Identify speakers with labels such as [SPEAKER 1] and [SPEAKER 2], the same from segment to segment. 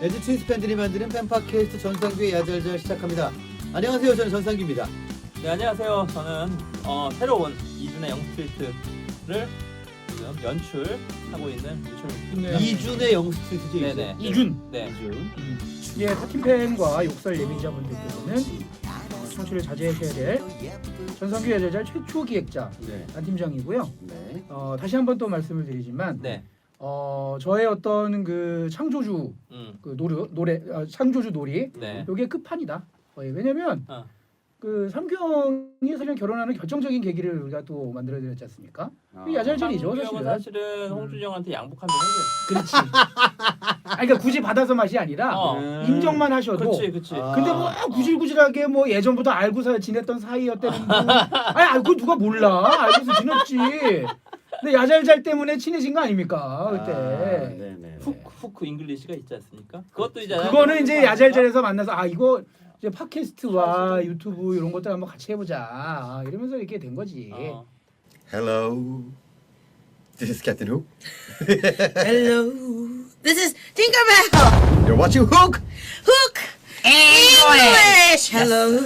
[SPEAKER 1] LG 트윈스 팬들이 만드는 팬팟캐스트 전상규의 야잘잘 시작합니다. 안녕하세요. 저는 전상규입니다.
[SPEAKER 2] 네, 안녕하세요. 저는 새로운 이준의 영스트리트를 지금 연출하고 있는 유철입니다.
[SPEAKER 1] 이준의 영스트리트죠.
[SPEAKER 2] 네네.
[SPEAKER 3] 이준.
[SPEAKER 2] 네.
[SPEAKER 1] 이준.
[SPEAKER 3] 예, 타팀팬과 욕설 예비자분들께서는 청취를 자제하셔야 될 전성규 야잘잘 최초 기획자
[SPEAKER 1] 네.
[SPEAKER 3] 안 팀장이고요.
[SPEAKER 1] 네.
[SPEAKER 3] 다시 한번 또 말씀을 드리지만
[SPEAKER 2] 네.
[SPEAKER 3] 저의 어떤 그 창조주 그 노래 창조주 놀이
[SPEAKER 2] 네.
[SPEAKER 3] 요게 끝판이다. 왜냐면
[SPEAKER 2] 어.
[SPEAKER 3] 그 삼경이 사실 결혼하는 결정적인 계기를 우리가 또 만들어 드렸지 않습니까? 야잘잘이죠,
[SPEAKER 2] 상규형은
[SPEAKER 3] 사실은.
[SPEAKER 2] 사실은 홍준이 형한테 양복한 번 했어요.
[SPEAKER 3] 그렇지. 그러니까 굳이 받아서 맛이 아니라 인정만 하셔도.
[SPEAKER 2] 그치.
[SPEAKER 3] 근데 뭐 구질구질하게 뭐 예전부터 알고 지냈던 사이였다는 분. 아니 그거 누가 몰라. 알고서 지냈지. 근데 야잘잘 때문에 친해진 거 아닙니까 그때.
[SPEAKER 1] 네네.
[SPEAKER 2] 후크 잉글리시가 있지 않습니까? 그것도 이제
[SPEAKER 3] 그거는 이제 야잘잘에서 만나서 이거 이제 팟캐스트와 유튜브 이런 것들 한번 같이 해보자 이러면서 이렇게 된 거지.
[SPEAKER 4] Hello, this is Captain Hook.
[SPEAKER 5] Hello, this is Tinkerbell.
[SPEAKER 4] You're watching Hook.
[SPEAKER 5] Hook English. Hello.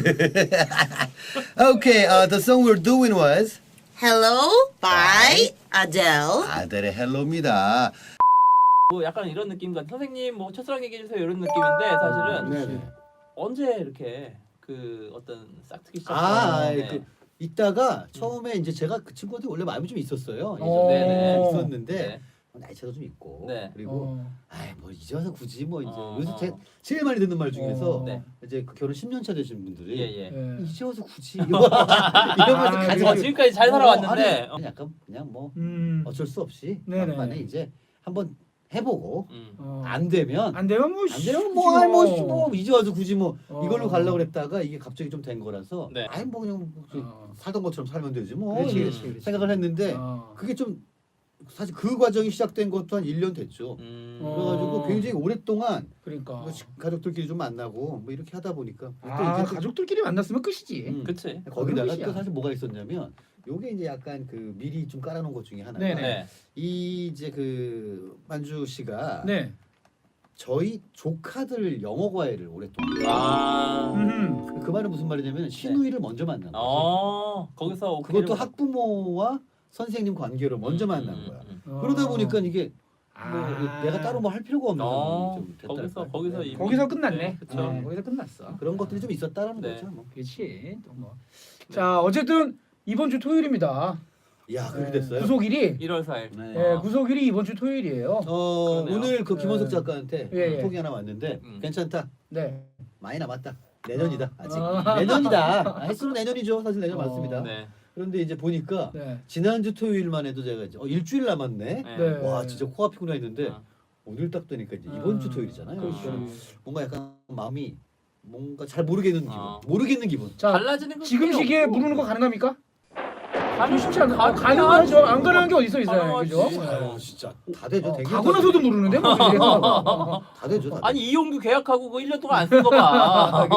[SPEAKER 4] Okay, the song we're doing was
[SPEAKER 5] Hello by Adele.
[SPEAKER 4] 아델의 헬로입니다.
[SPEAKER 2] 뭐 약간 이런 느낌 같아. 선생님 뭐 첫사랑 얘기해 주세요 이런 느낌인데 사실은
[SPEAKER 1] 네네.
[SPEAKER 2] 언제 이렇게 그 어떤 싹트기 시작?
[SPEAKER 1] 그 이따가 처음에 이제 제가 그 친구한테 원래 마음이 좀 있었어요.
[SPEAKER 2] 네네.
[SPEAKER 1] 있었는데
[SPEAKER 2] 네.
[SPEAKER 1] 나이 차도 좀 있고.
[SPEAKER 2] 네.
[SPEAKER 1] 그리고 아이 뭐 이제 와서 굳이 뭐 이제 요새
[SPEAKER 2] 어.
[SPEAKER 1] 제일 많이 듣는 말 중에서
[SPEAKER 2] 네.
[SPEAKER 1] 이제 그 결혼 10년 차 되신 분들이
[SPEAKER 2] 예예.
[SPEAKER 1] 이제 와서 굳이 이러면서 가지
[SPEAKER 3] 그렇지.
[SPEAKER 2] 지금까지 잘 살아왔는데.
[SPEAKER 1] 아니, 약간 그냥 뭐 어쩔 수 없이
[SPEAKER 3] 네네.
[SPEAKER 1] 막판에 이제 한번 해보고
[SPEAKER 3] 안
[SPEAKER 1] 안 되면
[SPEAKER 3] 안 되면 뭐
[SPEAKER 1] 안 되면
[SPEAKER 3] 굳이
[SPEAKER 1] 뭐 이제 와서 굳이 뭐 이걸로
[SPEAKER 3] 어.
[SPEAKER 1] 가려고 그랬다가 이게 갑자기 좀 된 거라서
[SPEAKER 2] 네.
[SPEAKER 1] 아이 뭐 그냥 살던 것처럼 살면 되지 뭐
[SPEAKER 3] 그렇지,
[SPEAKER 1] 이렇게
[SPEAKER 3] 그렇지.
[SPEAKER 1] 생각을 했는데
[SPEAKER 3] 어.
[SPEAKER 1] 그게 좀 사실 그 과정이 시작된 것도 한 1년 됐죠. 그래가지고 굉장히 오랫동안
[SPEAKER 3] 그러니까
[SPEAKER 1] 뭐 가족들끼리 좀 만나고 뭐 이렇게 하다 보니까 또 이제 또
[SPEAKER 3] 가족들끼리 만났으면 끝이지.
[SPEAKER 2] 그치.
[SPEAKER 1] 거기다가
[SPEAKER 3] 끝이야.
[SPEAKER 1] 또 사실 뭐가 있었냐면 요게 이제 약간 그 미리 좀 깔아놓은 것 중에 하나가
[SPEAKER 3] 네네.
[SPEAKER 2] 네.
[SPEAKER 1] 이 이제 그 만주 씨가
[SPEAKER 3] 네.
[SPEAKER 1] 저희 조카들 영어 과외를 오랫동안
[SPEAKER 2] 아.
[SPEAKER 1] 그 말은 무슨 말이냐면 신우이를 먼저 만난 거지.
[SPEAKER 2] 거기서
[SPEAKER 1] 그것도
[SPEAKER 2] 오케이를
[SPEAKER 1] 학부모와 선생님 관계로 먼저 만난 거야. 그러다 보니까 이게 뭐 내가 따로 뭐 할 필요가 없는 상황이 좀 됐다.
[SPEAKER 2] 거기서 이미-
[SPEAKER 3] 거기서 끝났네.
[SPEAKER 2] 네, 그쵸.
[SPEAKER 3] 거기서 끝났어.
[SPEAKER 1] 그런 것들이 좀 있었다라는
[SPEAKER 2] 네.
[SPEAKER 1] 거죠. 뭐.
[SPEAKER 3] 그렇지. 또 뭐. 자 어쨌든 이번 주 토요일입니다.
[SPEAKER 1] 야 그렇게 됐어요.
[SPEAKER 3] 구속일이
[SPEAKER 2] 1월 4일.
[SPEAKER 1] 네.
[SPEAKER 3] 구속일이 이번 주 토요일이에요.
[SPEAKER 2] 그러네요.
[SPEAKER 1] 오늘 그 김원석
[SPEAKER 3] 네.
[SPEAKER 1] 작가한테
[SPEAKER 3] 예, 예.
[SPEAKER 1] 톡이 하나 왔는데 괜찮다.
[SPEAKER 3] 네.
[SPEAKER 1] 많이 남았다. 내년이다. 아직
[SPEAKER 3] 아.
[SPEAKER 1] 내년이다. 횟수로 내년이죠. 사실 내년 맞습니다.
[SPEAKER 2] 네.
[SPEAKER 1] 그런데 이제 보니까
[SPEAKER 3] 네.
[SPEAKER 1] 지난주 토요일만 해도 제가 이제 일주일 남았네.
[SPEAKER 3] 네.
[SPEAKER 1] 와 진짜 코앞이구나 했는데
[SPEAKER 2] 아.
[SPEAKER 1] 오늘 딱 되니까 이제 이번 주 토요일이잖아요.
[SPEAKER 3] 그렇죠.
[SPEAKER 1] 그러니까 뭔가 약간 마음이 뭔가 잘 모르겠는 기분.
[SPEAKER 2] 아.
[SPEAKER 1] 모르겠는 기분.
[SPEAKER 3] 자
[SPEAKER 2] 달라지는 거
[SPEAKER 3] 지금 시기에 부르는 거 가능합니까? 쉽지 않아.
[SPEAKER 2] 가능하지.
[SPEAKER 3] 가능하죠. 안 가능한 게 어디 있어요,
[SPEAKER 2] 가능하지.
[SPEAKER 3] 그죠?
[SPEAKER 1] 아유, 진짜 다 되죠. 되게
[SPEAKER 3] 가고 나서도 모르는데 뭐.
[SPEAKER 1] 다 되죠. 다 되죠.
[SPEAKER 2] 아니 이용규 계약하고 그 1년 동안 안 쓴 거 봐.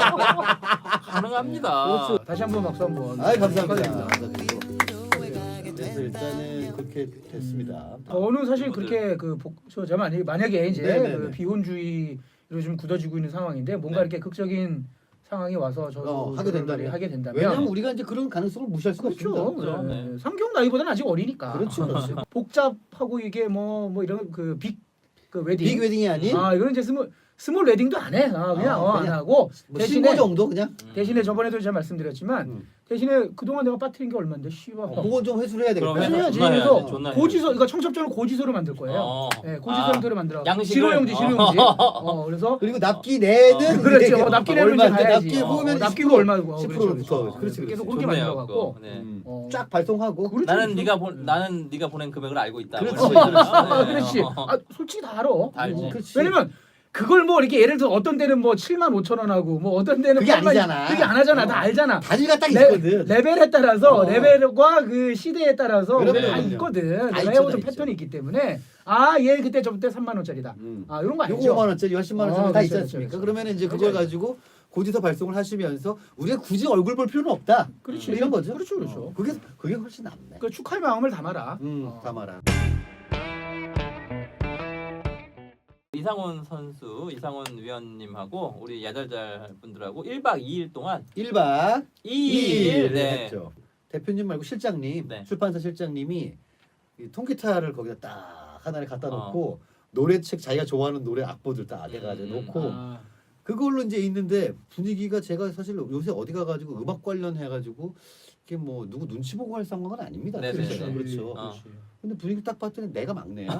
[SPEAKER 2] 가능합니다.
[SPEAKER 1] 그렇죠.
[SPEAKER 3] 다시 한번 박수 한번.
[SPEAKER 1] 아이 감사합니다.
[SPEAKER 3] 축하드립니다.
[SPEAKER 1] 그래서 일단은 그렇게 됐습니다.
[SPEAKER 3] 저는 사실
[SPEAKER 2] 친구들.
[SPEAKER 3] 그렇게 제가 만약에 이제
[SPEAKER 1] 네네네.
[SPEAKER 3] 그 비혼주의로 좀 굳어지고 있는 상황인데 뭔가
[SPEAKER 2] 네.
[SPEAKER 3] 이렇게 극적인 상황이 와서 저도
[SPEAKER 1] 하게 된다면.
[SPEAKER 3] 하게 된다면
[SPEAKER 1] 왜냐면 우리가 이제 그런 가능성을 무시할 수가
[SPEAKER 3] 그렇죠.
[SPEAKER 1] 없습니다.
[SPEAKER 3] 네. 상경 나이보다는 아직 어리니까.
[SPEAKER 1] 그렇죠, 그렇죠.
[SPEAKER 3] 복잡하고 이게 뭐 이런 그 빅 그 웨딩.
[SPEAKER 1] 빅 웨딩이 아닌
[SPEAKER 3] 이거는 이제 스몰 웨딩도 안 해. 그냥 안
[SPEAKER 1] 그냥
[SPEAKER 3] 하고
[SPEAKER 1] 뭐
[SPEAKER 3] 대신에
[SPEAKER 1] 신고 정도 그냥.
[SPEAKER 3] 대신에 저번에도 제가 말씀드렸지만 대신에 그동안 내가 빠뜨린 게 얼마인데 씨발.
[SPEAKER 1] 그건 좀 회수를 해야 되겠다.
[SPEAKER 2] 그럼
[SPEAKER 3] 해야지.
[SPEAKER 2] 존나
[SPEAKER 3] 그래서
[SPEAKER 2] 해야지, 존나
[SPEAKER 3] 고지서 그러니까 청첩장을 고지서로 만들 거예요. 네, 고지서로 만들어.
[SPEAKER 2] 양식을?
[SPEAKER 3] 실효용지. 그래서
[SPEAKER 1] 그리고 납기 내는
[SPEAKER 3] 그렇죠. 납기 내면 이제
[SPEAKER 1] 얼마인데
[SPEAKER 3] 가야지.
[SPEAKER 1] 납기 보면
[SPEAKER 3] 납기가 얼마고
[SPEAKER 1] 10%부터 그렇지.
[SPEAKER 3] 계속
[SPEAKER 1] 그렇지.
[SPEAKER 3] 그렇게 만들어 갖고
[SPEAKER 2] 네.
[SPEAKER 1] 쫙 발송하고.
[SPEAKER 3] 그렇죠.
[SPEAKER 2] 나는 네가 보낸 금액을 알고 있다.
[SPEAKER 1] 그렇지,
[SPEAKER 2] 뭐 이런
[SPEAKER 1] 그렇지.
[SPEAKER 2] 식으로. 네.
[SPEAKER 3] 그렇지. 솔직히 다 알아.
[SPEAKER 2] 다 알지.
[SPEAKER 1] 그렇지.
[SPEAKER 3] 왜냐면 그걸 뭐 이렇게 예를 들어 어떤 데는 뭐 7만 5천 원 하고 뭐 어떤 데는
[SPEAKER 1] 그게
[SPEAKER 3] 8만
[SPEAKER 1] 아니잖아.
[SPEAKER 3] 그게 안 하잖아. 다 알잖아.
[SPEAKER 1] 단위가 딱 있거든.
[SPEAKER 3] 레벨에 따라서
[SPEAKER 1] 어.
[SPEAKER 3] 레벨과 그 시대에 따라서
[SPEAKER 1] 그럼요,
[SPEAKER 3] 다
[SPEAKER 1] 그럼요.
[SPEAKER 3] 있거든.
[SPEAKER 1] 다
[SPEAKER 3] 내가
[SPEAKER 1] 있죠,
[SPEAKER 3] 해오던
[SPEAKER 1] 다
[SPEAKER 3] 패턴이 있기 때문에 얘 그때 저때 3만 원짜리다. 이런 거
[SPEAKER 1] 요거
[SPEAKER 3] 알죠?
[SPEAKER 1] 5만 원짜리, 10만 원짜리 다
[SPEAKER 3] 그렇죠,
[SPEAKER 1] 있지 않습니까?
[SPEAKER 3] 그렇죠.
[SPEAKER 1] 그러면 이제 그걸
[SPEAKER 3] 그렇죠.
[SPEAKER 1] 가지고 고지서 발송을 하시면서 우리가 굳이 얼굴 볼 필요는 없다.
[SPEAKER 3] 그렇지.
[SPEAKER 1] 이런 거죠.
[SPEAKER 3] 그렇죠, 그렇죠.
[SPEAKER 1] 그게 훨씬 낫네.
[SPEAKER 3] 그 축하의 마음을 담아라.
[SPEAKER 1] 담아라.
[SPEAKER 2] 이상훈 선수, 이상훈 위원님하고 우리 야잘잘 분들하고 1박 2일 동안
[SPEAKER 1] 1박
[SPEAKER 2] 2일
[SPEAKER 1] 2일
[SPEAKER 2] 네.
[SPEAKER 1] 했죠. 대표님 말고 실장님,
[SPEAKER 2] 네.
[SPEAKER 1] 출판사 실장님이 이 통기타를 거기다 딱 하나를 갖다 놓고 노래책 자기가 좋아하는 노래 악보들 딱 해가지고 놓고
[SPEAKER 3] 아,
[SPEAKER 1] 그걸로 이제 있는데 분위기가 제가 사실 요새 어디 가가지고 음악 관련 해가지고 이게 뭐 누구 눈치 보고 할 상황은 아닙니다.
[SPEAKER 2] 네,
[SPEAKER 1] 그렇죠.
[SPEAKER 2] 네, 네.
[SPEAKER 1] 그렇죠.
[SPEAKER 3] 그렇지.
[SPEAKER 1] 근데 분위기 딱 봤더니 내가 막내야.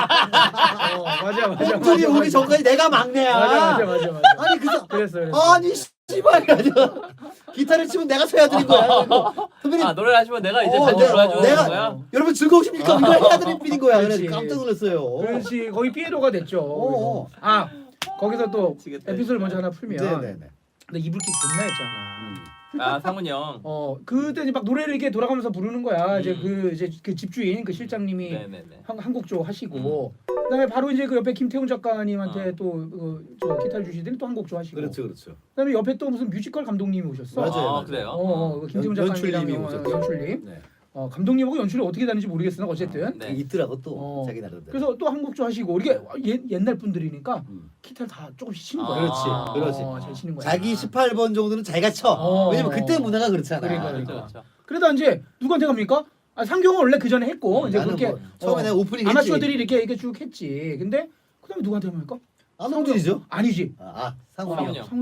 [SPEAKER 3] 맞아.
[SPEAKER 1] 형들이 오기 전까지 내가 막내야.
[SPEAKER 3] 맞아.
[SPEAKER 1] 아니 그래서
[SPEAKER 3] 그랬어.
[SPEAKER 1] 아니 씨발 가지고 기타를 치면 내가 쳐야 되는 거야. 선배님
[SPEAKER 2] 노래를 하시면 내가 이제
[SPEAKER 1] 어,
[SPEAKER 2] 반주
[SPEAKER 1] 내가-
[SPEAKER 2] 불러주는
[SPEAKER 1] 내가-
[SPEAKER 2] 거야?
[SPEAKER 1] 여러분 즐거우십니까? 이걸 해야 되는 필인 거야. 그래서
[SPEAKER 3] 그렇지.
[SPEAKER 1] 깜짝 놀랐어요.
[SPEAKER 3] 그렇지. 거기 피에로가 됐죠.
[SPEAKER 1] 어.
[SPEAKER 3] 그래서. 아 거기서 또
[SPEAKER 2] 미치겠다,
[SPEAKER 3] 에피소드
[SPEAKER 2] 진짜.
[SPEAKER 3] 먼저 하나 풀면.
[SPEAKER 1] 네네네.
[SPEAKER 3] 근데 이불킥 존나 했잖아.
[SPEAKER 2] 상훈이 형.
[SPEAKER 3] 그때 이제 막 노래를 이렇게 돌아가면서 부르는 거야. 이제
[SPEAKER 2] 음.
[SPEAKER 3] 그 집주인 그 실장님이
[SPEAKER 2] 네네네.
[SPEAKER 3] 한곡 하시고 그다음에 바로 이제 그 옆에 김태훈 작가님한테
[SPEAKER 2] 어.
[SPEAKER 3] 또 기타를 주시더니 또 한곡 하시고.
[SPEAKER 1] 그렇죠.
[SPEAKER 3] 그다음에 옆에 또 무슨 뮤지컬 감독님이 오셨어.
[SPEAKER 1] 맞아요.
[SPEAKER 2] 그래요?
[SPEAKER 3] 그 김태훈
[SPEAKER 1] 연출님이
[SPEAKER 3] 작가님이랑
[SPEAKER 1] 오셨죠.
[SPEAKER 3] 연출님.
[SPEAKER 1] 네.
[SPEAKER 3] 감독님하고 연출이 어떻게 다른지 모르겠으나 어쨌든.
[SPEAKER 2] 네.
[SPEAKER 1] 있더라고 또
[SPEAKER 3] 어.
[SPEAKER 1] 자기 나름대로.
[SPEAKER 3] 그래서 또 한곡 하시고 이게 옛날 분들이니까
[SPEAKER 1] 음.
[SPEAKER 3] 기타를 다 조금씩 치는
[SPEAKER 2] 아,
[SPEAKER 3] 거야.
[SPEAKER 1] 그렇지.
[SPEAKER 3] 잘 치는 거야.
[SPEAKER 1] 자기 18번 정도는 자기가 쳐.
[SPEAKER 3] 어.
[SPEAKER 1] 왜냐면 그때 문화가 그렇잖아.
[SPEAKER 3] 그러니까.
[SPEAKER 2] 그렇죠.
[SPEAKER 3] 그러다 이제 누구한테 갑니까? 상경은 원래 그 전에 했고 이제
[SPEAKER 1] 나는
[SPEAKER 3] 그렇게
[SPEAKER 1] 뭐 처음에 내가 오프닝 했지.
[SPEAKER 3] 아마추어들이 이렇게 쭉 했지. 근데 그다음에 누구한테 합니까?
[SPEAKER 1] 아마추어들이죠.
[SPEAKER 3] 아니지.
[SPEAKER 1] 상훈이
[SPEAKER 2] 상훈이
[SPEAKER 1] 형.
[SPEAKER 2] 형.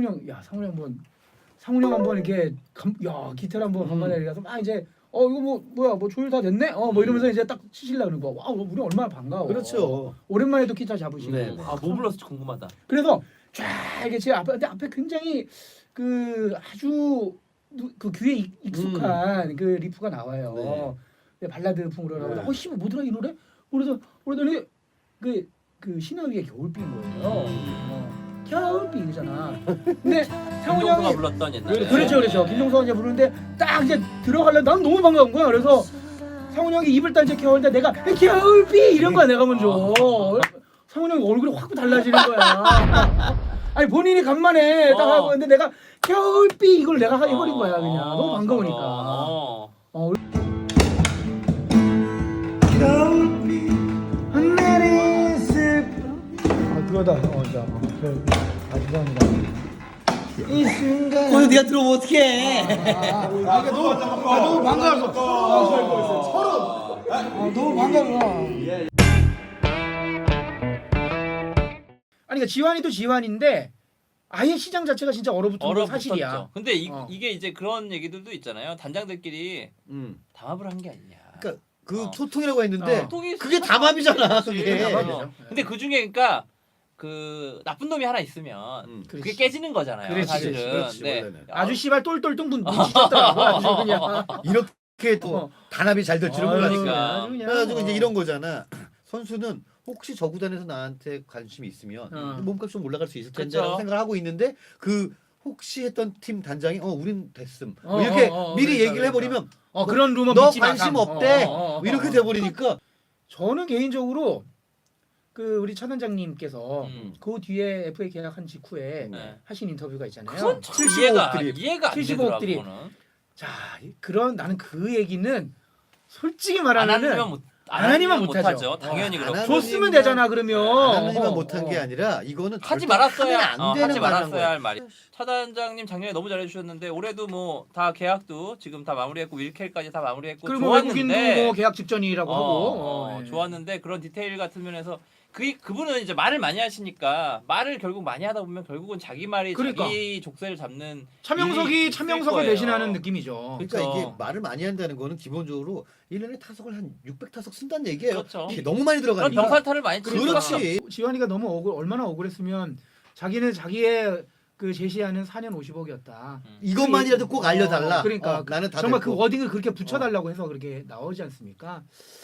[SPEAKER 3] 상훈이 형 한번 이렇게 기타를 한번 간만에 가서 막 이제 이거 뭐야 조율 다 됐네. 뭐 이러면서 이제 딱 치실라 그러는 거야. 와 우리 얼마나 반가워.
[SPEAKER 1] 그렇죠.
[SPEAKER 3] 오랜만에 또 기타 잡으시고.
[SPEAKER 1] 네.
[SPEAKER 2] 뭐 불렀을지 궁금하다.
[SPEAKER 3] 그래서 쫙 이게 제 앞에 굉장히 그 아주 그 귀에 익숙한 그 리프가 나와요.
[SPEAKER 1] 네.
[SPEAKER 3] 네, 발라드풍으로
[SPEAKER 1] 네.
[SPEAKER 3] 나오고 씨발 뭐더라 이 노래? 그러더니 그 신화 위에 겨울비인 거예요. 겨울비잖아. 근데 상훈이
[SPEAKER 2] 김종수가
[SPEAKER 3] 형이
[SPEAKER 2] 불렀던 옛날에.
[SPEAKER 3] 그렇죠. 김종서가 이제 부르는데 딱 이제 들어가려 난 너무 반가운 거야. 그래서 상훈이 형이 입을 딱 이제 겨울때 내가 겨울비 이런 거야 내가 먼저. 상훈이 형이 얼굴이 확 달라지는 거야. 아니 본인이 간만에 딱 하고 있는데 내가 겨울비 이걸 내가 해버린 거야 그냥 너무 반가우니까. 그거다. 죄송합니다. 이 순간.
[SPEAKER 1] 거기 네가 들어오면 어떡해.
[SPEAKER 3] 너무 반가워서. 너무 반가워. 아니 그러니까 지환이도 지환인데 아예 시장 자체가 진짜 얼어붙은 건 사실이야.
[SPEAKER 2] 근데
[SPEAKER 3] 어.
[SPEAKER 2] 이게 이제 그런 얘기들도 있잖아요. 단장들끼리
[SPEAKER 1] 음.
[SPEAKER 2] 담합을 한 게 아니냐.
[SPEAKER 1] 그러니까 그
[SPEAKER 2] 어.
[SPEAKER 1] 소통이라고 했는데
[SPEAKER 2] 소통이
[SPEAKER 1] 그게 담합이잖아. 그게.
[SPEAKER 3] 담합이죠.
[SPEAKER 2] 근데 그 중에 그러니까 그 나쁜 놈이 하나 있으면 그게
[SPEAKER 3] 그렇지.
[SPEAKER 2] 깨지는 거잖아요.
[SPEAKER 3] 그렇지,
[SPEAKER 2] 사실은.
[SPEAKER 1] 그렇지,
[SPEAKER 2] 네.
[SPEAKER 1] 원래는.
[SPEAKER 3] 아주 씨발 똘똘 뚱분 눈치챘더라고 아주 그냥.
[SPEAKER 1] 이렇게 또 단합이 잘 될 줄은 몰랐으니까.
[SPEAKER 2] 그러니까.
[SPEAKER 3] 아주 그냥.
[SPEAKER 1] 그래가지고 이제 이런 거잖아. 선수는 혹시 저 구단에서 나한테 관심이 있으면 몸값 좀 올라갈 수 있을 텐데라고
[SPEAKER 2] 그쵸.
[SPEAKER 1] 생각을 하고 있는데 그 혹시 했던 팀 단장이 우린 됐음 뭐 이렇게 미리
[SPEAKER 3] 그러니까,
[SPEAKER 1] 얘기를 해버리면
[SPEAKER 3] 그런 루머
[SPEAKER 1] 너
[SPEAKER 3] 믿지 마,
[SPEAKER 1] 관심
[SPEAKER 3] 감.
[SPEAKER 1] 없대 뭐 이렇게 돼버리니까
[SPEAKER 3] 저는 개인적으로 그 우리 차 단장님께서 그 뒤에 FA 계약한 직후에
[SPEAKER 2] 네.
[SPEAKER 3] 하신 인터뷰가 있잖아요.
[SPEAKER 2] 그건 참
[SPEAKER 1] 75억 드립.
[SPEAKER 2] 이해가 안
[SPEAKER 3] 75억
[SPEAKER 2] 되더라고.
[SPEAKER 3] 드립.
[SPEAKER 2] 그거는.
[SPEAKER 3] 자, 나는 그 얘기는 솔직히
[SPEAKER 2] 안
[SPEAKER 3] 말하면은
[SPEAKER 2] 하면 못
[SPEAKER 3] 안 하니만 못하죠.
[SPEAKER 2] 당연히
[SPEAKER 1] 안
[SPEAKER 2] 그렇고.
[SPEAKER 1] 하면
[SPEAKER 3] 줬으면 되잖아 그러면.
[SPEAKER 1] 하나님만 못한 게 아니라 이거는
[SPEAKER 2] 하지
[SPEAKER 1] 절대
[SPEAKER 2] 말았어야
[SPEAKER 1] 하면 안 되는
[SPEAKER 2] 하지
[SPEAKER 1] 말을 한
[SPEAKER 2] 말았어야
[SPEAKER 1] 거야.
[SPEAKER 2] 할 말이. 차 단장님 작년에 너무 잘해주셨는데 올해도 뭐 다 계약도 지금 다 마무리했고 윌켈까지 다 마무리했고
[SPEAKER 3] 그리고 외국인도
[SPEAKER 2] 좋았는데
[SPEAKER 3] 뭐 계약 직전이라고 하고. 예.
[SPEAKER 2] 좋았는데 그런 디테일 같은 면에서 그분은 이제 말을 많이 하시니까 말을 결국 많이 하다 보면 결국은 자기 말이
[SPEAKER 3] 그러니까.
[SPEAKER 2] 자기 족쇄를 잡는 일이
[SPEAKER 3] 차명석이
[SPEAKER 2] 있을
[SPEAKER 3] 차명석을
[SPEAKER 2] 거예요.
[SPEAKER 3] 대신하는 느낌이죠.
[SPEAKER 1] 그러니까
[SPEAKER 2] 그쵸.
[SPEAKER 1] 이게 말을 많이 한다는 거는 기본적으로 1년에 타석을 한 600타석 쓴다는 얘기예요.
[SPEAKER 2] 그렇죠.
[SPEAKER 1] 이게 너무 많이
[SPEAKER 2] 그런
[SPEAKER 1] 들어가니까.
[SPEAKER 2] 병살타를 많이 치니까.
[SPEAKER 1] 그렇지.
[SPEAKER 3] 지환이가 너무 얼마나 억울했으면 자기는 자기의 그 제시하는 4년 50억이었다.
[SPEAKER 1] 이것만이라도 꼭 알려달라.
[SPEAKER 3] 그러니까
[SPEAKER 1] 나는 다
[SPEAKER 3] 정말
[SPEAKER 1] 됐고.
[SPEAKER 3] 그 워딩을 그렇게 붙여달라고 해서 그렇게 나오지 않습니까?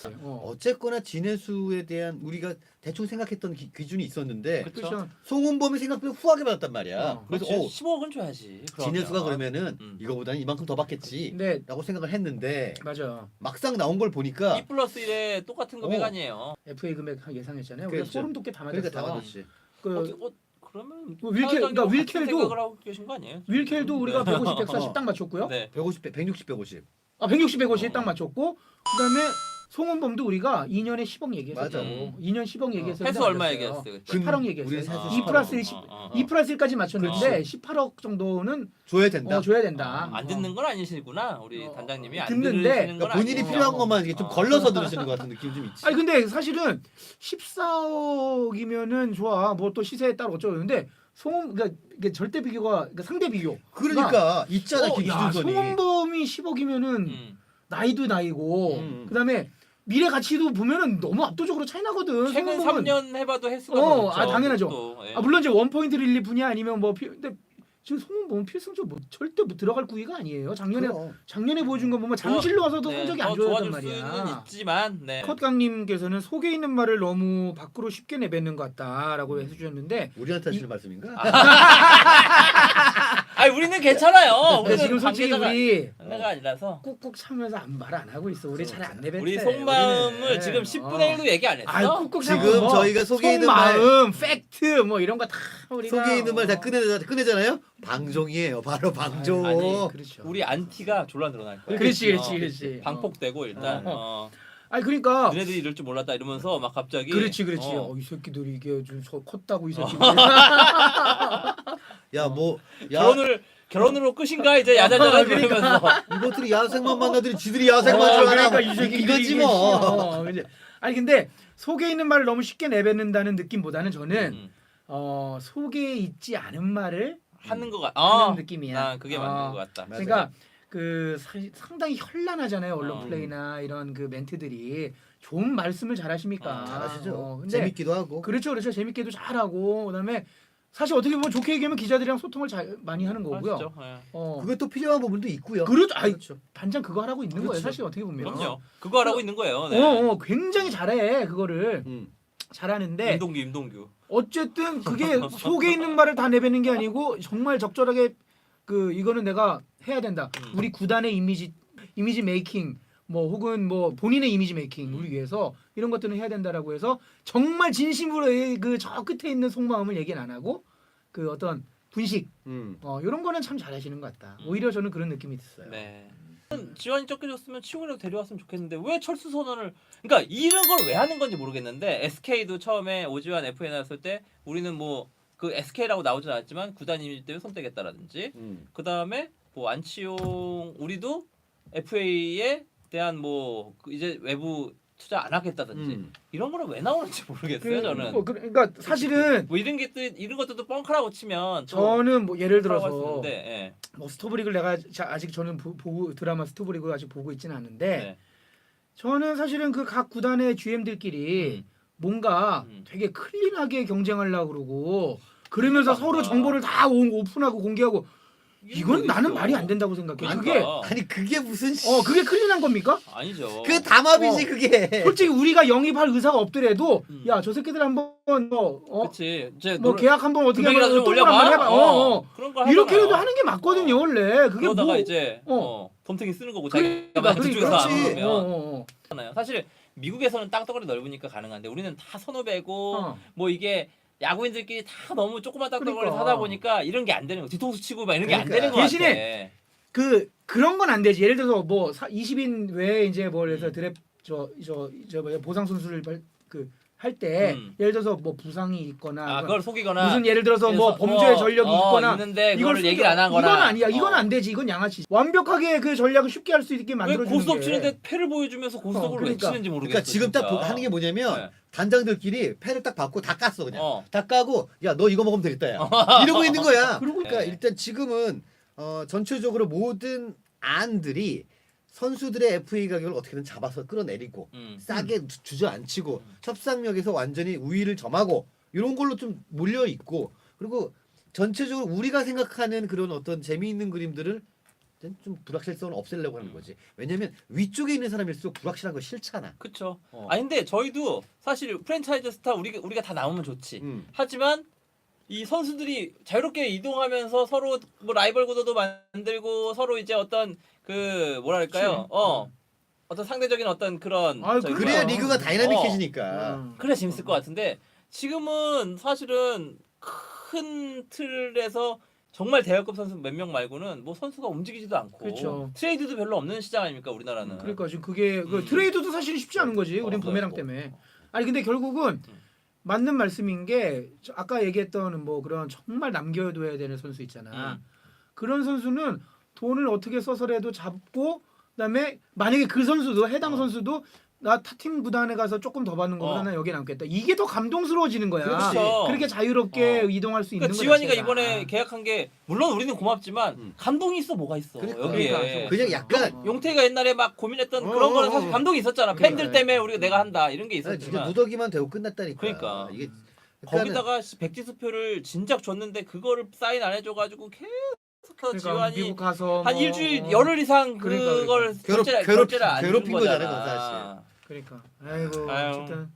[SPEAKER 1] 어쨌거나 진해수에 대한 우리가 대충 생각했던 기준이 있었는데
[SPEAKER 2] 그렇죠.
[SPEAKER 1] 송은범이 생각보다 후하게 받았단 말이야. 그래서
[SPEAKER 2] 그래서 15억은 줘야지. 그러면.
[SPEAKER 1] 진해수가 그러면은
[SPEAKER 2] 음.
[SPEAKER 1] 이거보다는 이만큼 더 받겠지.
[SPEAKER 3] 근데
[SPEAKER 1] 라고 생각을 했는데
[SPEAKER 3] 맞아.
[SPEAKER 1] 막상 나온 걸 보니까
[SPEAKER 2] 2 플러스 1에 똑같은 금액 아니에요.
[SPEAKER 3] FA 금액 예상했잖아요. 우리가
[SPEAKER 1] 그렇죠.
[SPEAKER 3] 소름 돋게 다 맞았어.
[SPEAKER 1] 그러니까 다 받았지.
[SPEAKER 3] 그
[SPEAKER 2] 그러면
[SPEAKER 3] 그러니까 윌켈도
[SPEAKER 2] 생각을 하고 계신 거 아니에요?
[SPEAKER 3] 윌켈도 우리가
[SPEAKER 2] 네.
[SPEAKER 3] 150, 140 딱 맞췄고요.
[SPEAKER 2] 네.
[SPEAKER 1] 150, 160, 150.
[SPEAKER 3] 160, 150 딱 맞췄고 그다음에 송은범도 우리가 2년에 10억 얘기했었죠.
[SPEAKER 1] 맞아.
[SPEAKER 3] 2년 10억 얘기했었는데
[SPEAKER 2] 회수 얼마
[SPEAKER 3] 맞았어요.
[SPEAKER 2] 얘기했어요? 그때?
[SPEAKER 3] 18억
[SPEAKER 1] 우리
[SPEAKER 3] 얘기했어요.
[SPEAKER 1] 세수
[SPEAKER 3] 2 플러스 1,
[SPEAKER 2] 18억.
[SPEAKER 3] 2 플러스 1까지 맞췄는데
[SPEAKER 2] 그렇지.
[SPEAKER 3] 18억 정도는
[SPEAKER 1] 줘야 된다.
[SPEAKER 3] 줘야 된다.
[SPEAKER 2] 안 듣는 건 아니시구나. 우리
[SPEAKER 3] 어,
[SPEAKER 2] 단장님이 안
[SPEAKER 3] 듣는데
[SPEAKER 2] 들으시는 건
[SPEAKER 1] 그러니까 본인이
[SPEAKER 2] 아니고.
[SPEAKER 1] 필요한 것만 이게 좀
[SPEAKER 2] 어.
[SPEAKER 1] 걸러서 들으시는 것 같은 느낌이 좀 있지.
[SPEAKER 3] 아니 근데 사실은 14억이면은 좋아. 뭐 또 시세에 따라 어쩌고 그러는데 송은 그러니까 이게 절대 비교가 그러니까 상대 비교.
[SPEAKER 1] 그러니까 있잖아
[SPEAKER 3] 야,
[SPEAKER 1] 기준선이.
[SPEAKER 3] 송은범이 10억이면은
[SPEAKER 2] 음.
[SPEAKER 3] 나이도 나이고 그다음에 미래 가치도 보면은 너무 압도적으로 차이 나거든.
[SPEAKER 2] 최근
[SPEAKER 3] 송은범은
[SPEAKER 2] 3년 해봐도 횟수가
[SPEAKER 3] 어,
[SPEAKER 2] 더 높죠.
[SPEAKER 3] 아, 당연하죠.
[SPEAKER 2] 그것도, 예.
[SPEAKER 3] 아 물론 이제 원포인트 릴리프냐 아니면 뭐 근데 지금 송은범은 필승조 뭐 절대 뭐 들어갈 구위가 아니에요. 작년에 보여준 거 보면 장실로 와서도 성적이 안
[SPEAKER 2] 더
[SPEAKER 3] 좋았단
[SPEAKER 2] 좋아질 수는
[SPEAKER 3] 말이야.
[SPEAKER 2] 있지만 네.
[SPEAKER 3] 컷강님께서는 속에 있는 말을 너무 밖으로 쉽게 내뱉는 것 같다라고 해주셨는데
[SPEAKER 1] 우리한테 하시는 말씀인가?
[SPEAKER 2] 아니 우리는 괜찮아요.
[SPEAKER 3] 근데
[SPEAKER 2] 우리는
[SPEAKER 3] 지금 솔직히
[SPEAKER 2] 관계자가
[SPEAKER 3] 우리
[SPEAKER 2] 관계가 아니라서
[SPEAKER 3] 꾹꾹 참으면서 말 안 하고 있어. 우리 잘 안 내뱉대.
[SPEAKER 2] 우리 속마음을
[SPEAKER 3] 우리는.
[SPEAKER 2] 지금 10분의 1도 얘기 안 했어.
[SPEAKER 3] 아이 꾹꾹 참고
[SPEAKER 1] 지금
[SPEAKER 3] 뭐
[SPEAKER 1] 저희가 속에 있는
[SPEAKER 3] 속마음, 팩트 뭐 이런 거 다 우리가
[SPEAKER 1] 속에 있는 말 다 꺼내잖아요. 방종이에요. 바로 방종.
[SPEAKER 2] 아니,
[SPEAKER 3] 그렇죠.
[SPEAKER 2] 우리 안티가 졸라 늘어날 거야.
[SPEAKER 3] 그렇지.
[SPEAKER 2] 방폭되고 일단
[SPEAKER 3] 아니 그러니까
[SPEAKER 2] 너네들이 이럴 줄 몰랐다 이러면서 막 갑자기
[SPEAKER 3] 그렇지.
[SPEAKER 2] 어.
[SPEAKER 3] 이 새끼들이 이게 좀 컸다고 이 새끼들.
[SPEAKER 2] 결혼으로 끝인가 이제 야자자자 그러면서
[SPEAKER 1] 이것들이 야생만 만나더니 지들이 야생만 줄 알아.
[SPEAKER 3] 그러니까 이 새끼
[SPEAKER 1] 이거지 뭐.
[SPEAKER 3] 아니 근데 속에 있는 말을 너무 쉽게 내뱉는다는 느낌보다는 저는
[SPEAKER 2] 음.
[SPEAKER 3] 속에 있지 않은 말을
[SPEAKER 2] 하는 거
[SPEAKER 3] 하는 느낌이야.
[SPEAKER 2] 나 그게 맞는
[SPEAKER 3] 어.
[SPEAKER 2] 것 같다.
[SPEAKER 1] 맞아요.
[SPEAKER 3] 그러니까 상당히 현란하잖아요 언론
[SPEAKER 2] 어.
[SPEAKER 3] 플레이나 이런 그 멘트들이 좋은 말씀을 잘하십니까?
[SPEAKER 1] 잘하시죠.
[SPEAKER 3] 근데
[SPEAKER 1] 재밌기도 하고.
[SPEAKER 3] 그렇죠 재밌게도 잘하고 그다음에 사실 어떻게 보면 좋게 얘기하면 기자들이랑 소통을 잘 많이 하는 거고요.
[SPEAKER 2] 맞죠. 예.
[SPEAKER 1] 그게 또 필요한 부분도 있고요.
[SPEAKER 3] 그렇죠.
[SPEAKER 1] 그렇죠.
[SPEAKER 3] 반장 그거 하라고 있는 거예요.
[SPEAKER 1] 그렇죠.
[SPEAKER 3] 사실 어떻게 보면.
[SPEAKER 2] 그럼요. 그거 하라고 있는 거예요. 네.
[SPEAKER 3] 굉장히 잘해 그거를
[SPEAKER 1] 음.
[SPEAKER 3] 잘하는데
[SPEAKER 2] 임동규.
[SPEAKER 3] 어쨌든 그게 속에 있는 말을 다 내뱉는 게 아니고 정말 적절하게 그 이거는 내가 해야 된다. 우리 구단의 이미지 메이킹 뭐 혹은 뭐 본인의 이미지 메이킹 우리 위해서 이런 것들은 해야 된다라고 해서 정말 진심으로 그 저 끝에 있는 속마음을 얘기는 안 하고 그 어떤 분식 이런 거는 참 잘하시는 것 같다. 오히려 저는 그런 느낌이 있어요.
[SPEAKER 2] 네. 지원이 쫓겨졌으면 치용이라고 데려왔으면 좋겠는데 왜 철수 선언을 그러니까 이런 걸 왜 하는 건지 모르겠는데 SK도 처음에 오지환 FA 나왔을 때 우리는 뭐 그 SK라고 나오진 않았지만 구단 이미지 때문에 손 떼겠다라든지 그 다음에 뭐 안치용 우리도 FA에 대한 뭐 이제 외부 투자 안 하겠다든지 이런 거는 왜 나오는지 모르겠어요 저는.
[SPEAKER 3] 그러니까 사실은
[SPEAKER 2] 뭐 이런 것들도 뻥카라고 치면
[SPEAKER 3] 저는 뭐 예를
[SPEAKER 2] 뻥카라고 할 수
[SPEAKER 3] 들어서
[SPEAKER 2] 있는데, 예.
[SPEAKER 3] 뭐 스토브리그를 내가 아직 저는 보고 드라마 스토브리그 아직 보고 있지는 않은데
[SPEAKER 2] 네.
[SPEAKER 3] 저는 사실은 그 각 구단의 GM들끼리 뭔가 되게 클린하게 경쟁하려고 그러고 그러면서 서로 정보를 다 오픈하고 공개하고 이건 나는 말이 안 된다고 생각해.
[SPEAKER 2] 그러니까.
[SPEAKER 1] 그게 무슨
[SPEAKER 3] 그게 클린한 겁니까?
[SPEAKER 2] 아니죠.
[SPEAKER 1] 그 담합이지 그게.
[SPEAKER 3] 솔직히 우리가 영입할 의사가 없더라도 야 저 새끼들 한번
[SPEAKER 2] 그렇지.
[SPEAKER 3] 뭐 계약 한번 어떻게
[SPEAKER 2] 금액이라도 좀
[SPEAKER 3] 한번
[SPEAKER 2] 올려봐.
[SPEAKER 3] 해봐.
[SPEAKER 2] 그런 거
[SPEAKER 3] 이렇게라도 하는 게 맞거든요 원래. 그게
[SPEAKER 2] 그러다가
[SPEAKER 3] 뭐
[SPEAKER 2] 이제 덤탱이 쓰는 거고
[SPEAKER 3] 그러니까,
[SPEAKER 2] 자기가 저쪽에서 안
[SPEAKER 1] 그렇지.
[SPEAKER 2] 오면 사실 미국에서는 땅덩어리 넓으니까 가능한데 우리는 다 선후배고 뭐 이게 야구인들끼리 다 너무 조그만 땅덩어리
[SPEAKER 3] 그러니까.
[SPEAKER 2] 사다 보니까 이런 게 안 되는 거 뒤통수 치고 막 이런 게 안
[SPEAKER 1] 그러니까.
[SPEAKER 2] 되는 거
[SPEAKER 3] 대신에 그런 건 안 되지. 예를 들어서 뭐 20인 외에 이제 뭐 그래서 드랩 저 보상 선수를 할 때 예를 들어서 뭐 부상이 있거나
[SPEAKER 2] 그걸 속이거나
[SPEAKER 3] 무슨 예를 들어서 뭐 범죄 전력이 있거나
[SPEAKER 2] 있는데
[SPEAKER 3] 이걸
[SPEAKER 2] 이걸 얘기를 안 하거나
[SPEAKER 3] 이건 아니야. 이건 안 되지. 이건 양아치. 완벽하게 그 전략을 쉽게 할 수 있게
[SPEAKER 2] 왜
[SPEAKER 3] 만들어 주는
[SPEAKER 2] 고스톱
[SPEAKER 3] 게.
[SPEAKER 2] 치는데 패를 보여주면서 고스톱을 왜
[SPEAKER 3] 그러니까.
[SPEAKER 2] 치는지 모르겠어.
[SPEAKER 1] 그러니까 지금 딱
[SPEAKER 2] 진짜.
[SPEAKER 1] 하는 게 뭐냐면
[SPEAKER 2] 네.
[SPEAKER 1] 단장들끼리 패를 딱 받고 다 깠어 그냥. 다 까고 야 너 이거 먹으면 되겠다 야. 이러고 있는 거야. 그러니까
[SPEAKER 2] 네.
[SPEAKER 1] 일단 지금은 전체적으로 모든 안들이 선수들의 FA 가격을 어떻게든 잡아서 끌어내리고 싸게 주저앉히고 협상력에서 완전히 우위를 점하고 이런 걸로 좀 몰려 있고 그리고 전체적으로 우리가 생각하는 그런 어떤 재미있는 그림들을 좀 불확실성을 없애려고 하는 거지. 왜냐면 위쪽에 있는 사람일수록 불확실한 거 싫잖아.
[SPEAKER 2] 그쵸. 아니 근데 저희도 사실 프랜차이즈 스타 우리가 다 나오면 좋지.
[SPEAKER 1] 음.
[SPEAKER 2] 하지만 이 선수들이 자유롭게 이동하면서 서로 뭐 라이벌 구도도 만들고 서로 이제 어떤 그 뭐랄까요? 어떤 상대적인 어떤 그런
[SPEAKER 3] 아유,
[SPEAKER 1] 그래야
[SPEAKER 3] 그러니까.
[SPEAKER 1] 리그가 다이나믹해지니까.
[SPEAKER 2] 그래 재밌을 것 같은데 지금은 사실은 큰 틀에서 정말 대학급 선수 몇 명 말고는 뭐 선수가 움직이지도 않고
[SPEAKER 3] 그렇죠.
[SPEAKER 2] 트레이드도 별로 없는 시장 아닙니까 우리나라는.
[SPEAKER 3] 그러니까 지금 그게 그 트레이드도 사실은 쉽지 않은 거지. 우린
[SPEAKER 2] 없어요,
[SPEAKER 3] 부메랑
[SPEAKER 2] 뭐.
[SPEAKER 3] 때문에. 아니 근데 결국은 맞는 말씀인 게 아까 얘기했던 뭐 그런 정말 남겨둬야 되는 선수 있잖아. 그런 선수는 돈을 어떻게 써서라도 잡고 그다음에 만약에 그 선수도 해당 선수도 나 타팀 구단에 가서 조금 더 받는 거보다는 여기 남겠다. 이게 더 감동스러워지는 거야.
[SPEAKER 2] 그렇죠.
[SPEAKER 3] 그렇게 자유롭게 이동할 수 있는
[SPEAKER 2] 그러니까
[SPEAKER 3] 거
[SPEAKER 2] 지환이가
[SPEAKER 3] 자체가.
[SPEAKER 2] 이번에 계약한 게 물론 우리는 고맙지만 감동이 있어 뭐가 있어 여기에.
[SPEAKER 3] 그러니까.
[SPEAKER 1] 그냥 약간
[SPEAKER 2] 용태가 옛날에 막 고민했던 그런 거는 사실 감동이 있었잖아. 팬들 때문에 우리가 내가 한다 이런 게
[SPEAKER 1] 진짜
[SPEAKER 2] 있었지만
[SPEAKER 1] 무더기만 되고 끝났다니까.
[SPEAKER 2] 그러니까.
[SPEAKER 1] 이게
[SPEAKER 2] 거기다가 백지수표를 진작 줬는데 그거를 사인 안 해줘가지고 계속해서
[SPEAKER 3] 그러니까
[SPEAKER 2] 지환이
[SPEAKER 3] 미국 가서
[SPEAKER 2] 한
[SPEAKER 3] 뭐
[SPEAKER 2] 일주일 열흘 이상
[SPEAKER 3] 그러니까,
[SPEAKER 2] 그걸
[SPEAKER 1] 괴롭-
[SPEAKER 2] 결제를 안
[SPEAKER 1] 괴롭힌
[SPEAKER 2] 준
[SPEAKER 1] 거잖아요,
[SPEAKER 2] 거잖아.
[SPEAKER 1] 그건 사실.
[SPEAKER 3] 그러니까 아이고
[SPEAKER 2] 아유.
[SPEAKER 3] 어쨌든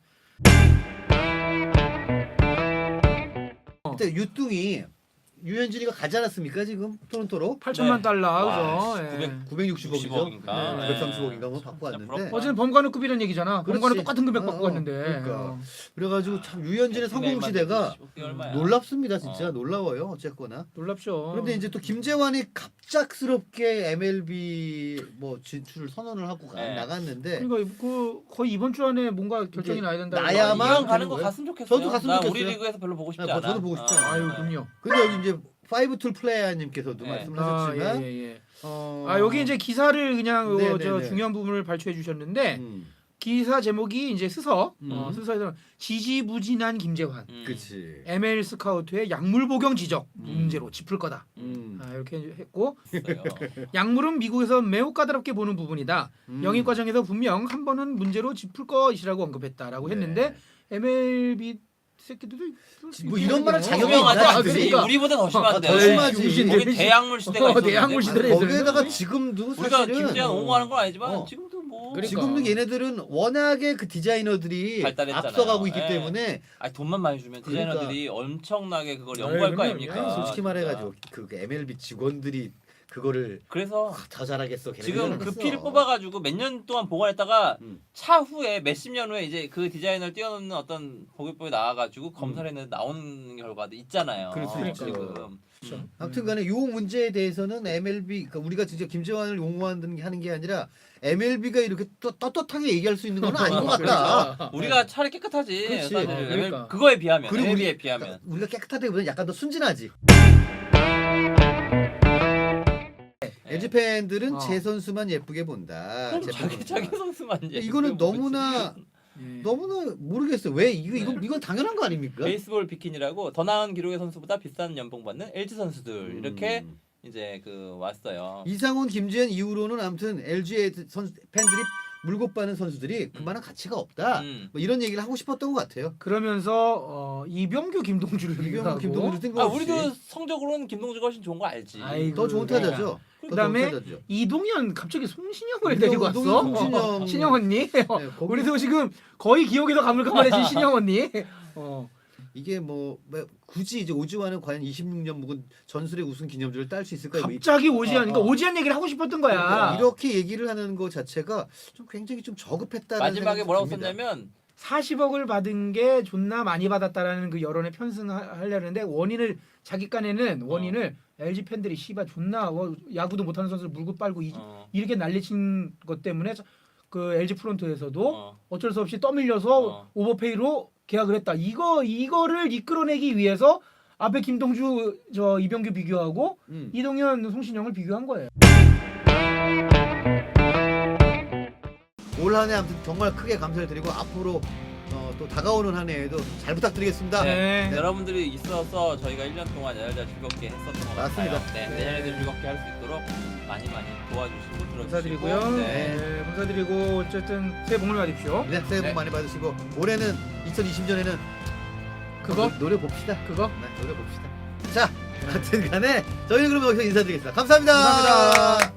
[SPEAKER 1] 그때 유뚱이 유현진이가 가지 않았습니까 지금 토론토로
[SPEAKER 3] 8천만
[SPEAKER 2] 네.
[SPEAKER 3] 달러
[SPEAKER 2] 와,
[SPEAKER 3] 그죠? 예.
[SPEAKER 1] 960억이죠.
[SPEAKER 2] 960억인가? 네.
[SPEAKER 1] 930억인가 뭐 받고
[SPEAKER 2] 진짜
[SPEAKER 1] 왔는데
[SPEAKER 2] 부럽다.
[SPEAKER 3] 어제는 범관우급이라는 얘기잖아. 범관우
[SPEAKER 1] 그렇지.
[SPEAKER 3] 똑같은 금액 받고 갔는데.
[SPEAKER 1] 그러니까. 그래가지고 참 유현진의 성공 시대가 놀랍습니다 진짜 놀라워요 어쨌거나.
[SPEAKER 3] 놀랍죠.
[SPEAKER 1] 그런데 이제 또 김재환이 갑작스럽게 MLB 뭐 진출을 선언을 하고
[SPEAKER 2] 네.
[SPEAKER 1] 나갔는데
[SPEAKER 3] 그러니까 그 거의 이번 주 안에 뭔가 결정이
[SPEAKER 1] 이제
[SPEAKER 3] 나야 된다.
[SPEAKER 1] 나야만
[SPEAKER 2] 이왕 가는
[SPEAKER 1] 되는
[SPEAKER 2] 거
[SPEAKER 1] 거예요?
[SPEAKER 2] 갔으면 좋겠어요.
[SPEAKER 1] 저도 갔으면
[SPEAKER 2] 나 우리
[SPEAKER 1] 좋겠어요.
[SPEAKER 2] 리그에서 별로 보고 싶지
[SPEAKER 1] 네,
[SPEAKER 2] 않아.
[SPEAKER 1] 저도 보고 싶지 않아요.
[SPEAKER 3] 아유 군요.
[SPEAKER 1] 근데 여기 이제 파이브툴 플레이어님께서도
[SPEAKER 2] 네.
[SPEAKER 1] 말씀을 하셨지만
[SPEAKER 3] 예.
[SPEAKER 1] 어...
[SPEAKER 3] 아 여기 이제 기사를 그냥
[SPEAKER 1] 네,
[SPEAKER 3] 저
[SPEAKER 1] 네, 네.
[SPEAKER 3] 중요한 부분을 발췌해 주셨는데
[SPEAKER 1] 음,
[SPEAKER 3] 기사 제목이 이제 스서
[SPEAKER 1] 음.
[SPEAKER 3] 스서에서 지지부진한 김재환
[SPEAKER 1] 그치.
[SPEAKER 3] ML 스카우트의 약물 복용 지적 문제로 짚을 거다. 이렇게 했고 약물은 미국에서 매우 까다롭게 보는 부분이다. 영입 과정에서 분명 한 번은 문제로 짚을 것이라고 언급했다라고
[SPEAKER 1] 네.
[SPEAKER 3] 했는데 MLB 새끼들도
[SPEAKER 1] 뭐 이런 말을 자격이
[SPEAKER 2] 유명하지
[SPEAKER 1] 있나,
[SPEAKER 2] 않지.
[SPEAKER 1] 그러니까.
[SPEAKER 2] 우리보다 더 심한데.
[SPEAKER 1] 더 심하지.
[SPEAKER 2] 거기 대약물 시대가 있었는데.
[SPEAKER 3] 대약물 시대를
[SPEAKER 1] 거기에다가 지금도
[SPEAKER 2] 우리가
[SPEAKER 1] 사실은
[SPEAKER 2] 김재환 옹호하는 건 아니지만
[SPEAKER 1] 어.
[SPEAKER 2] 지금도 뭐
[SPEAKER 3] 그러니까.
[SPEAKER 1] 지금도 얘네들은 워낙에 그 디자이너들이
[SPEAKER 2] 발달했잖아요.
[SPEAKER 1] 앞서가고 있기
[SPEAKER 2] 예.
[SPEAKER 1] 때문에
[SPEAKER 2] 아니 돈만 많이 주면
[SPEAKER 1] 그러니까.
[SPEAKER 2] 디자이너들이 엄청나게 그걸 연구할 거
[SPEAKER 3] 그럼요.
[SPEAKER 2] 아닙니까?
[SPEAKER 1] 솔직히
[SPEAKER 2] 진짜.
[SPEAKER 1] 말해가지고 그 MLB 직원들이 그거를
[SPEAKER 2] 그래서
[SPEAKER 1] 더 잘하겠어.
[SPEAKER 2] 지금 그
[SPEAKER 1] 걔네들은
[SPEAKER 2] 피를
[SPEAKER 1] 했어.
[SPEAKER 2] 뽑아가지고 몇 년 동안 보관했다가
[SPEAKER 1] 음.
[SPEAKER 2] 차후에 몇십 년 후에 이제 그 디자이너를 뛰어넘는 어떤 보급법이 나와가지고 검사를 했는데 나오는 결과도 있잖아요.
[SPEAKER 1] 그럴 수 있죠.
[SPEAKER 2] 지금.
[SPEAKER 1] 아무튼간에 요 문제에 대해서는 MLB 그러니까 우리가 진짜 김재환을 용어하는 게 아니라 MLB가 이렇게 또 떳떳하게 얘기할 수 있는 건 아닌 것 같다.
[SPEAKER 2] 우리가 차라리 깨끗하지.
[SPEAKER 1] 그렇지.
[SPEAKER 2] 사실
[SPEAKER 3] 그러니까.
[SPEAKER 2] 그거에 비하면
[SPEAKER 1] 그리고
[SPEAKER 2] MLB에 비하면.
[SPEAKER 1] 그러니까 우리가 깨끗하다기보다는 약간 더 순진하지. LG 팬들은
[SPEAKER 3] 어.
[SPEAKER 1] 제 선수만 예쁘게 본다.
[SPEAKER 2] 그럼
[SPEAKER 1] 제
[SPEAKER 2] 자기
[SPEAKER 1] 선수만.
[SPEAKER 2] 선수만 이제
[SPEAKER 1] 이거는 너무나
[SPEAKER 3] 예.
[SPEAKER 1] 너무나 모르겠어요. 왜 이건 당연한 거 아닙니까?
[SPEAKER 2] 베이스볼 비킨이라고 더 나은 기록의 선수보다 비싼 연봉 받는 LG 선수들 이렇게 이제 그 왔어요.
[SPEAKER 1] 이상훈, 김지현 이후로는 아무튼 LG의 팬들이 물고 빠는 선수들이 그만한 가치가 없다. 뭐 이런 얘기를 하고 싶었던 것 같아요.
[SPEAKER 3] 그러면서 이병규 김동주를
[SPEAKER 1] 이병헌,
[SPEAKER 3] 얘기하고
[SPEAKER 1] 김동준
[SPEAKER 2] 아
[SPEAKER 1] 뜬금없이
[SPEAKER 2] 우리도 성적으로는 김동주가 훨씬 좋은 거 알지.
[SPEAKER 3] 아이고.
[SPEAKER 1] 더 좋은 타자죠. 더
[SPEAKER 3] 그다음에
[SPEAKER 1] 좋은 타자죠.
[SPEAKER 3] 이동현 갑자기 송신영을
[SPEAKER 1] 이동현,
[SPEAKER 3] 데리고 왔어.
[SPEAKER 1] 송신영.
[SPEAKER 3] 신영 언니.
[SPEAKER 1] 거기-
[SPEAKER 3] 우리도 지금 거의 기억에서 가물가물해진 신영 언니.
[SPEAKER 1] 이게 뭐 굳이 이제 오지환은 과연 26년 묵은 전술의 우승 기념주를 딸 수 있을까?
[SPEAKER 3] 갑자기 오지환. 그러니까 오지환 얘기를 하고 싶었던 거야.
[SPEAKER 1] 이렇게 얘기를 하는 것 자체가 좀 굉장히 좀 저급했다는
[SPEAKER 2] 마지막에
[SPEAKER 1] 생각이
[SPEAKER 2] 뭐라고
[SPEAKER 1] 듭니다.
[SPEAKER 2] 썼냐면
[SPEAKER 3] 40억을 받은 게 존나 많이 받았다라는 그 여론에 편승하려는데 원인을 자기 깐에는 원인을 LG 팬들이 씨발 존나 야구도 못하는 선수를 물고 빨고 이렇게 난리친 것 때문에 그 LG 프론트에서도 어쩔 수 없이 떠밀려서 오버페이로 계약을 했다. 이거를 이끌어내기 위해서 앞에 김동주 이병규 비교하고 이동현 송신영을 비교한 거예요.
[SPEAKER 1] 올 한 해 아무튼 정말 크게 감사를 드리고 앞으로 또 다가오는 한 해에도 잘 부탁드리겠습니다.
[SPEAKER 3] 네.
[SPEAKER 2] 여러분들이 있어서 저희가 1년 동안 야잘자 즐겁게 했었던 것
[SPEAKER 1] 맞습니다.
[SPEAKER 2] 같아요. 네, 내년에도 즐겁게 할 수 있도록 많이 도와주시고 들어주시고
[SPEAKER 3] 감사드리고요.
[SPEAKER 2] 네.
[SPEAKER 3] 네, 감사드리고 어쨌든 새해 복을 받으십시오.
[SPEAKER 1] 네, 새해 복
[SPEAKER 2] 네.
[SPEAKER 1] 많이 받으시고 올해는 2020년에는
[SPEAKER 3] 그거?
[SPEAKER 1] 노래 봅시다.
[SPEAKER 3] 그거?
[SPEAKER 1] 네, 노래 봅시다. 자, 하여튼 간에 저희는 그럼 여기서 인사드리겠습니다. 감사합니다.
[SPEAKER 3] 감사합니다.